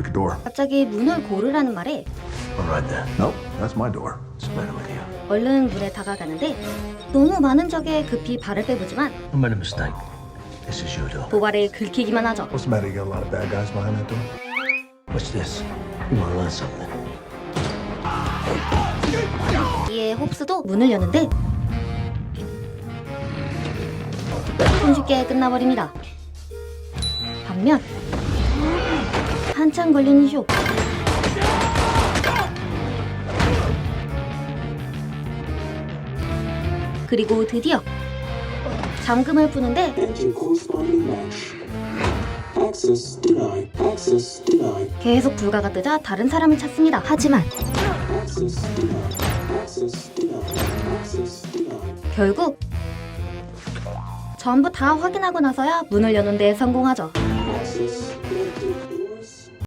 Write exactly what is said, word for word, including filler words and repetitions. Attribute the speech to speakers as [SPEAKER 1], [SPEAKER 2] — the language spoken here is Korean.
[SPEAKER 1] pick a door.
[SPEAKER 2] 갑자기 문을 고르라는 말에
[SPEAKER 3] All right then.
[SPEAKER 1] Nope, that's my door.
[SPEAKER 3] What's the matter with you?
[SPEAKER 2] 얼른 문에 다가가는데 너무 많은 적에 급히 발을 빼보지만
[SPEAKER 3] I made a mistake. This is your door.
[SPEAKER 2] 도발을 긁히기만 하죠.
[SPEAKER 1] What's the matter? You got a lot of bad guys behind that door?
[SPEAKER 3] What's this? You want to learn something?
[SPEAKER 2] 이에 홉스도 문을 여는데 손쉽게 끝나버립니다. 반면 한참 걸리는 쇼. 그리고 드디어 잠금을 푸는데
[SPEAKER 4] Enter corresponding match. Access denied. Access denied.
[SPEAKER 2] 계속 불가가 뜨자 다른 사람을 찾습니다. 하지만
[SPEAKER 4] Access denied. Access denied. Access denied.
[SPEAKER 2] 결국 전부 다 확인하고 나서야 문을 여는 데 성공하죠.
[SPEAKER 4] Access